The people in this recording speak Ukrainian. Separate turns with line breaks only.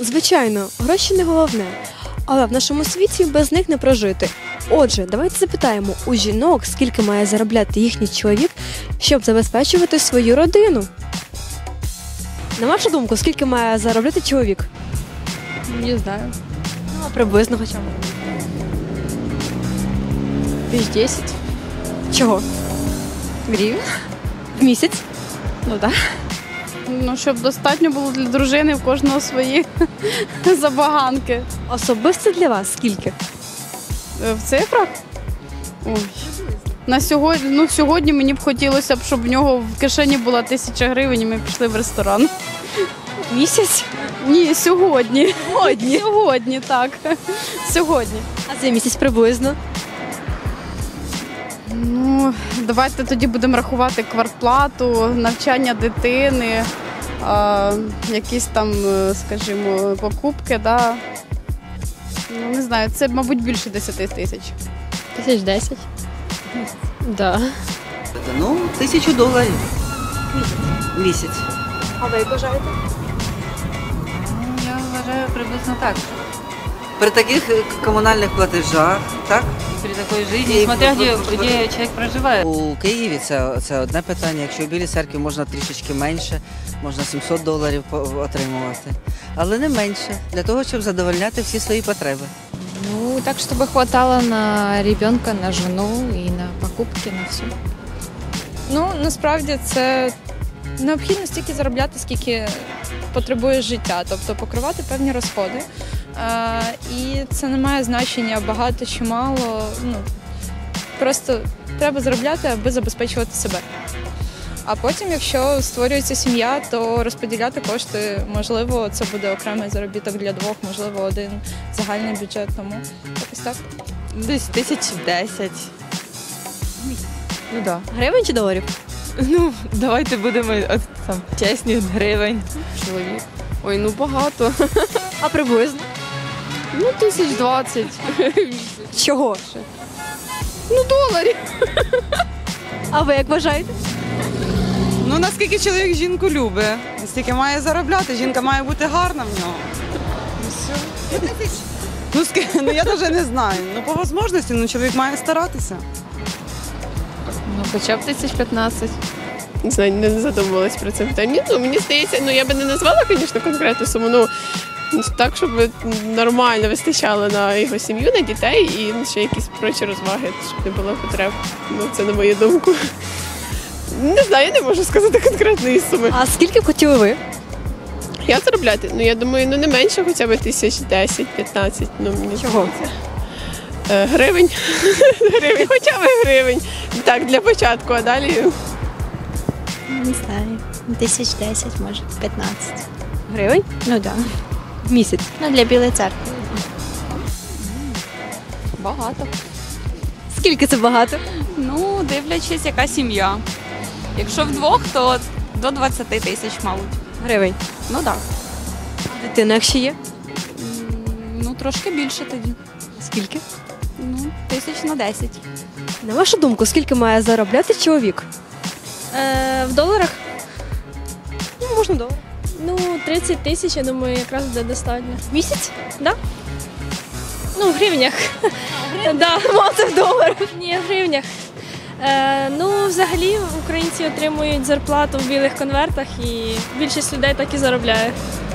Звичайно, гроші не головне, але в нашому світі без них не прожити. Отже, давайте запитаємо у жінок, скільки має заробляти їхній чоловік, щоб забезпечувати свою родину. На вашу думку, скільки має заробляти чоловік?
Не знаю.
Ну, а приблизно хоча б.
10
Чого?
гривень.
В місяць?
Ну так. Ну, щоб достатньо було для дружини, в кожного свої забаганки.
Особисто для вас скільки?
В цифрах? Ой. Сьогодні мені б хотілося б, щоб в нього в кишені була 1000 гривень і ми пішли в ресторан.
В місяць?
Ні, сьогодні.
Сьогодні?
Сьогодні, так. Сьогодні.
А за місяць приблизно?
Ну, давайте тоді будемо рахувати квартплату, навчання дитини, якісь там, скажімо, покупки, да. Ну, не знаю, це, мабуть, більше 10 тисяч.
1010. Да.
Ну, $1000 в місяць.
А ви як вважаєте?
Я вважаю приблизно так.
При таких комунальних платежах, так?
При такой жизни, смотря где человек проживает.
У Києві це одне питання. Якщо в Білій церкві можна трішечки менше, можна $700 отримувати. Але не менше, для того, щоб задовольняти всі свої потреби.
Ну, так, чтобы хватало на ребенка, на жену и на покупки, на все.
Ну, насправді це необхідно стільки заробляти, скільки потребує життя, тобто покривати певні розходи. І це не має значення багато чи мало. Ну, просто треба заробляти, аби забезпечувати себе. А потім, якщо створюється сім'я, то розподіляти кошти, можливо, це буде окремий заробіток для двох, можливо, один загальний бюджет, тому якось так.
Десь 1010. Ну да.
Гривень чи доларів?
Ну, давайте будемо там чесні, гривень.
Чоловік. Ой, ну багато.
А приблизно?
Ну, 1020.
Чого?
Ну, доларів.
А ви як вважаєте?
Ну, наскільки чоловік жінку любить, стільки має заробляти, жінка має бути гарна в нього. Ну, я навіть не знаю. Ну, по можливості, чоловік має старатися.
Ну, хоча б 1015.
Не знаю, не задумувалась про це питання. Ну, мені здається, я би не назвала, звісно, конкретну суму, так, щоб нормально вистачало на його сім'ю, на дітей і ще якісь прочі розваги, щоб не було потреб. Ну, це на мою думку. Не знаю, я не можу сказати конкретної суми.
А скільки б хотіли ви?
Я заробляти? Я думаю, не менше хоча б 1010-15. Мені
Чого?
Гривень. Гривень, хоча б гривень. Так, для початку, а далі.
Не знаю, 1010, може, 15.
Гривень?
Ну так. Да.
В місяць.
Ну, для Білої церкви.
Багато.
Скільки це багато?
Ну, дивлячись, яка сім'я. Якщо вдвох, то до 20 тисяч, мабуть.
Гривень.
Ну так.
А дитина, якщо є?
Ну, трошки більше тоді.
Скільки?
Ну, 1010.
На вашу думку, скільки має заробляти чоловік?
В доларах?
Ну, можна долар.
Ну, 30 тисяч, я думаю, якраз буде достатньо.
В місяць?
Да? Ну, в гривнях. Да.
Це в доларах.
Ні, в гривнях. Ну, взагалі, українці отримують зарплату в білих конвертах і більшість людей так і заробляє.